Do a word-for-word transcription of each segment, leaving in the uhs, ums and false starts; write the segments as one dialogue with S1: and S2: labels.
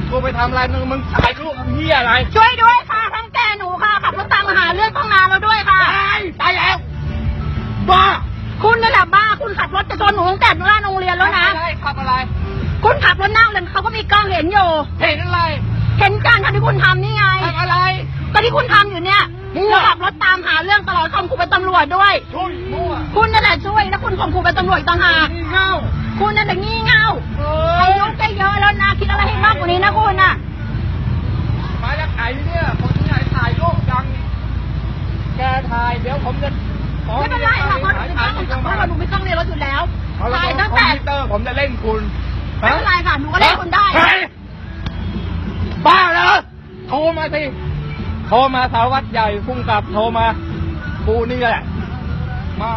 S1: กูไปทำอะไรมึงมึงถ่ายรูปเฮียอะไร
S2: ช่วยด้วยค่ะทั้งแกหนูค่ะขับรถตามมาหาเรื่องตั้งนานแล้วด้วยค่ะ
S1: ตายตายแล้วบ้า
S2: คุณนั่นแหละบ้าคุณขับรถจะชนหนูตั้งแต่หน้าโรงเรียนแล้วนะ
S1: อะไรขับอะไร
S2: คุณขับรถนั่งเลยเขาก็มีกล้องเห็นอยู่
S1: เห็นอะไร
S2: เห็นการทำที่คุณทำนี่ไง
S1: ทำอะไร
S2: ก็ที่คุณทำอยู่เนี่ยขับรถตามหาเรื่องตลอดข่มขู่เป็นตำรวจด้วย
S1: ช่วยมั่ว
S2: คุณนั่นแหละช่วยแล้วคุณข่มขู่เป็นตำรวจต่างหาก
S1: เง่า
S2: คุณนั่นแหละงี่เง่าอายุแกเยอะแล้วนะคิดอะไรให้มากกว่านี้นะคุณน่ะ
S1: มาจากไหนเนี่ยคนที่ไหนถ่ายรูปดังแกถ่ายเดี๋ยวผมจะ
S2: ไม่เป็นไรค่ะเพราะหนูไม่ต้องเรียนรถอยู่แล้วถ่ายตั้งแต่
S1: ผมจะเล่นคุณ
S2: ไม่เป็นไรค่ะหนูก็เล่นคุณได้
S1: บ้าเหรอโทรมาสิโทรมาสารวัตรใหญ่พุ่งกลับโทรมากูนี่แหละมา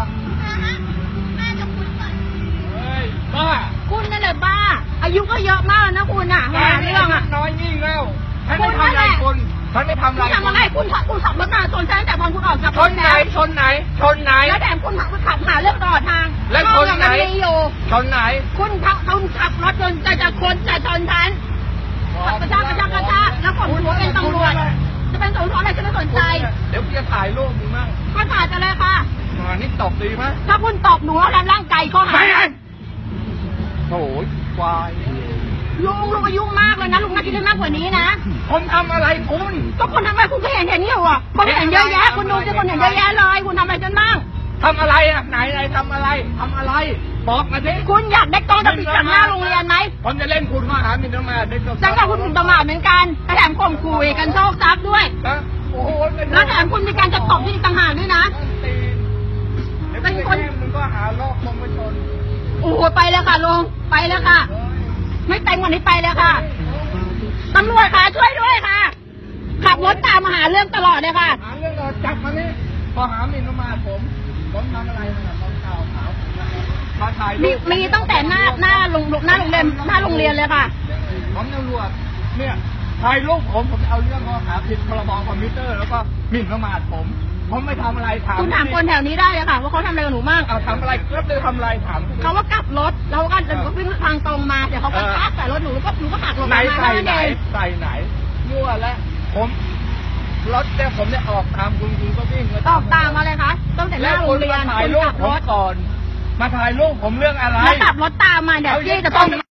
S1: เฮ้ยบ้า
S2: คุณนั่นแหละบ้าอายุก็เยอะมากนะคุณอ่ะหาเรื่องอ่ะ
S1: น้อยยิ่งแล้วฉันไม่ทำอะไรคุณฉันไม่ทำอะไร
S2: คุณทำอะไรคุณขับคุณขับรถมาชนฉันแต่พอคุณออกจาก
S1: ชนไหนชนไหนชนไหน
S2: แล้วแต่คุณขับขับหาเรื่องตลอดทาง
S1: แล้วชนไหนชนไหน
S2: คุณขับคุณขับรถจนจะจะคนจะชนฉันกระชากกระชากกระชากแล้วผมถือว่าเป็นตำรวจจะเป็นตำรวจอะไรจะไม่สนใจ
S1: เดี๋ยวพี่จะถ่ายรูปมึงมั่ง
S2: ก็ถ่ายจะเลยค่ะ
S1: มานี่ตบดีไหม
S2: ถ้าคุณตบหนูแล้วทำร่างกายเขาหาย
S1: โอ้ยควาย
S2: ลุงลุงอายุมากเลยนะลุงน่าคิดมากกว่านี้นะ
S1: ผมทำอะไรคุณ
S2: ก็คนทำอะไรคุณก็เห็นเห็นอยู่อ่ะคนเห็นเยอะแยะคุณดูจะคนเห็นเยอะแยะเลยคุณทำอะไรจนบ้าง
S1: ทำอะไรอ่ะไหนไหนทำอะไรทำอะไรบอกมาสิ
S2: คุณอยากได้กล้องติดจากหน้าโรงเรียนไหม
S1: ผมจะเล่นคุณข้อหาหมิ่นประมาท
S2: จังกับคุณหมิ่นประมาทเหมือนกันแถมข่มขู่กันโชคทรัพย์ด้วยแล้วแถมคุณมีการจะตบที่ต่างหากด้วยนะ
S1: เป็นคนมึงก็หาลอกคงไปชน
S2: โอ้โหไปแล้วค่ะลุงไปแล้วค่ะไม่แต่งวันนี้ไปแล้วค่ะตำรวจค่ะช่วยด้วยค่ะขับรถตามมาหาเรื่องตลอดเลยค่ะ
S1: หาเรื่องเราจับมานี่พอหาหมิ่นประมาทผมผมทำอะไรนะผมข่าวขาวมาถ่าย
S2: มีมีตั้งแต่หน้าหน้าโรงหน้าโรงเรียนหน้าโรงเรียนเลยค่ะ
S1: ผมตำรวจเนี่ยถ่ายรูปผมผมเอาเรื่องข้อหาผิดพรบคอมพิวเตอร์แล้วก็หมิ่นประมาทผมผมไม่ทำอะไรถาม
S2: คุณถามคนแถวนี้ได้เลยค่ะว่าเขาทำอะไรกับหนูมาก
S1: เอาทำอะไรก็เลยทำอะไรถาม
S2: เขาว่ากลับรถแล้วก็จะวิ่งทางตรงมาเดี๋ยวเขาก็ทักใส่รถหนูแล้วก็หนูก็หักหลบมา
S1: ใส่ไหนใส่ไหนยั่วแล้วผมรถเนี่ยผมเนี่ยออกตามคุณคุณก็วิ่ง
S2: ออกตามมาเลยคะตั้งแต่หน้าโรงเรียน
S1: ถ่ายรูปผมก่อนมาถ่ายรูปผมเรื่องอะไร
S2: แล้วขับรถตามมาเดี๋ยวพี่จะต้อง